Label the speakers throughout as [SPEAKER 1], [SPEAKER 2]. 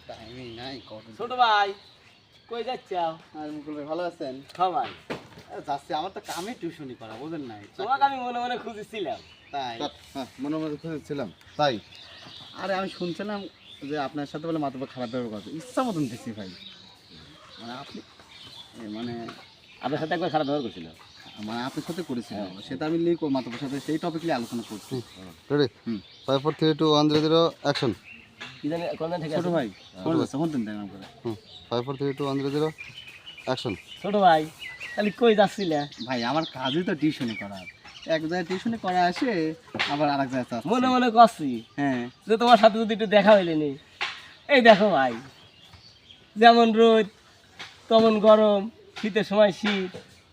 [SPEAKER 1] টাইমই নাই কত।
[SPEAKER 2] ছোট ভাই কই যাচ্ছাও?
[SPEAKER 1] আর মুকুল ভাই ভালো আছেন?
[SPEAKER 2] হ্যাঁ ভাই,
[SPEAKER 1] যাচ্ছি, আমার তো কামে টিউশনি করা, বুঝেন নাই?
[SPEAKER 2] তোমাকে আমি মনে মনে খুঁজেছিলাম।
[SPEAKER 1] তাই?
[SPEAKER 3] হ্যাঁ, মনে মনে খুঁজেছিলাম তাই।
[SPEAKER 1] আরে আমি শুনছিলাম যে আপনার সাথে বলে মাথা খারাপ ব্যবহার করছে, ইচ্ছা মতন দিচ্ছি ভাই। মানে আপনি মানে
[SPEAKER 2] আপনার সাথে একবার খারাপ ব্যবহার করছিল।
[SPEAKER 1] মানে আপনার সাথে করেছিলাম, সেটা আমি লিখো মাতার সাথে সেই টপিক নিয়ে আলোচনা করছি।
[SPEAKER 3] রেডি? 5 4 3 2 1 0 0 অ্যাকশন।
[SPEAKER 2] কি জানি কোন ঠিক
[SPEAKER 1] ছোট
[SPEAKER 2] আছে
[SPEAKER 1] ভাই কোন আছে কোন দিন দেন করে?
[SPEAKER 3] 5 4 3 2 1 0 0 অ্যাকশন।
[SPEAKER 2] ছোট ভাই তাহলে কই যাচ্ছিলে?
[SPEAKER 1] ভাই আমার কাজই তো টিউশনি করা, এক জায়গায় টিউশনি করা আসে আবার আরেক জায়গায় যাচ্ছে।
[SPEAKER 2] মনে মনে করছি
[SPEAKER 1] হ্যাঁ
[SPEAKER 2] যে তোমার সাথে যদি একটু দেখা হইলেনি। এই দেখো ভাই, যেমন রোদ তেমন গরম, শীতের সময় শীত,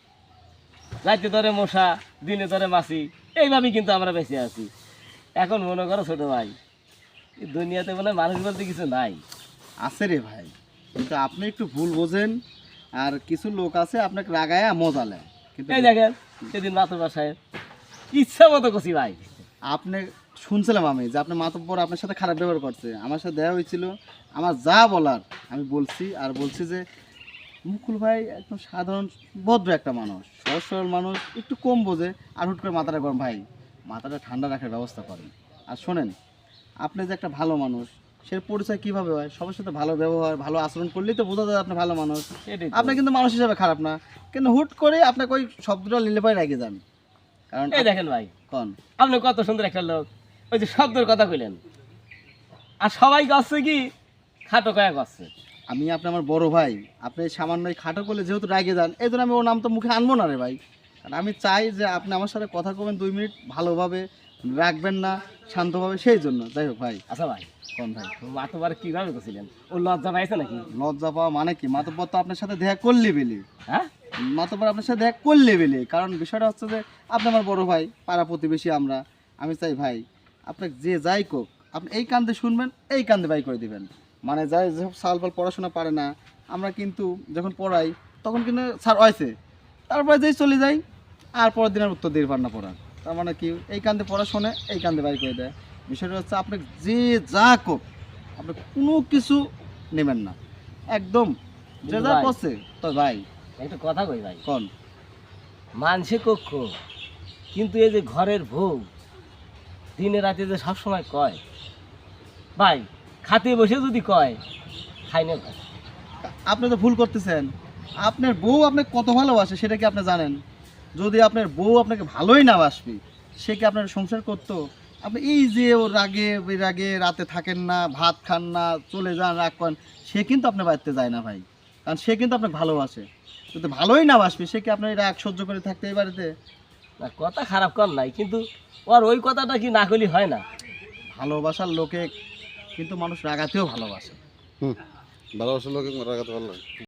[SPEAKER 2] রাতে ধরে মশা, দিনে ধরে মাছি, এইভাবেই কিন্তু আমরা বেঁচে আছি। এখন মনে করো ছোট ভাই, এই দুনিয়াতে মনে হয় মানুষ বলতে কিছু নাই।
[SPEAKER 1] আছে রে ভাই, কিন্তু আপনি একটু ভুল বোঝেন, আর কিছু লোক আছে আপনাকে রাগায় মজা নেয়। কিন্তু
[SPEAKER 2] এই দেখেন সেদিন মাতুব্বর সাহেব ইচ্ছা মতো করছি ভাই।
[SPEAKER 1] আপনি শুনছিলাম আমি যে আপনার মাতব্বর আপনার সাথে খারাপ ব্যবহার করছে, আমার সাথে দেখা হয়েছিল, আমার যা বলার আমি বলছি। আর বলছি যে মুকুল ভাই একদম সাধারণ ভদ্র একটা মানুষ, সহজ সরল মানুষ, একটু কম বোঝে, আর হুট করে মাথাটা গরম। ভাই মাথাটা ঠান্ডা রাখার ব্যবস্থা করেন। আর শোনেন, আপনি যে একটা ভালো মানুষ, সে পরিচয় কীভাবে হয়? সবার সাথে ভালো ব্যবহার ভালো আচরণ করলেই তো বোঝা যায় আপনি ভালো মানুষ।
[SPEAKER 2] এটাই তো।
[SPEAKER 1] আপনি কিন্তু মানুষ হিসাবে খারাপ না, কিন্তু হুট করে আপনাকে ওই শব্দটা নিলে পরে রেগে যান। কারণ
[SPEAKER 2] এই দেখেন ভাই,
[SPEAKER 1] কন
[SPEAKER 2] আপনি কত সুন্দর একটা লোক, ওই যে শব্দের কথা কইলেন, আর সবাই করছে কি খাটো কয়া করছে।
[SPEAKER 1] আমি আপনি আমার বড় ভাই, আপনি সামান্য এই খাটো করলে যেহেতু রাগে যান, এই জন্য আমি ওর নাম তো মুখে আনবো না রে ভাই। কারণ আমি চাই যে আপনি আমার সাথে কথা বলবেন 2 মিনিট, ভালোভাবে রাখবেন না, শান্তভাবে, সেই জন্য। যাই হোক ভাই,
[SPEAKER 2] আচ্ছা ভাই,
[SPEAKER 1] কোন ভাই
[SPEAKER 2] মাতুব্বর কিভাবে করছিলেন? ও লজ্জা পাইছে নাকি?
[SPEAKER 1] লজ্জা পাওয়া মানে কি? মাতব্বর তো আপনার সাথে দেখা করলে বেলি,
[SPEAKER 2] হ্যাঁ
[SPEAKER 1] মাতব্বর আপনার সাথে দেখা করলে বেলি। কারণ বিষয়টা হচ্ছে যে আপনি আমার বড় ভাই, পাড়া প্রতিবেশী আমরা। আমি চাই ভাই আপনাকে যে যাই কোক, আপনি এই কান্দে শুনবেন, এই কান্দে বাই করে দিবেন। মানে যাই যেসব সালপাল পড়াশোনা পারে না, আমরা কিন্তু যখন পড়াই তখন কিন্তু স্যার হয়েছে, তারপরে যেই চলে যাই, আর পরের দিনের উত্তর দিয়ে পার না পড়ার। তার মানে কি, এই কান্দে পড়াশোনা, এই কান্দে বাই করে দেয়। বিষয়টা হচ্ছে আপনি যে যা কোক, আপনি কোনো কিছু নেবেন না, একদম যে যা
[SPEAKER 2] ভাই,
[SPEAKER 1] করছে। তো ভাই
[SPEAKER 2] একটা কথা কই ভাই,
[SPEAKER 1] কোন
[SPEAKER 2] মানসে কক্ষ, কিন্তু এই যে ঘরের বউ দিনে রাতে যে সবসময় কয়, ভাই খাতে বসে যদি কয় খাই না ভাই।
[SPEAKER 1] আপনি তো ভুল করতেছেন। আপনার বউ আপনাকে কত ভালোবাসে সেটা কি আপনি জানেন? যদি আপনার বউ আপনাকে ভালোই না বাসবে, সে কি আপনার সংসার করতো? আপনি এই যে ও রাগে বিরাগে রাতে থাকেন না, ভাত খান না, চলে যান, রাগ করেন, সে কিন্তু আপনার বাড়িতে যায় না ভাই। কারণ সে কিন্তু আপনাকে ভালোবাসে। যদি ভালোই না বাসবে, সে কি আপনার এই রাগ সহ্য করে থাকতে এই বাড়িতে?
[SPEAKER 2] না কথা খারাপ কর নাই, কিন্তু ওর ওই কথাটা কি না করলে হয় না?
[SPEAKER 1] ভালোবাসার লোকে কিন্তু মানুষ রাগাতেও ভালোবাসে।
[SPEAKER 3] ভালোবাসার লোকে রাগাতে পারলাম।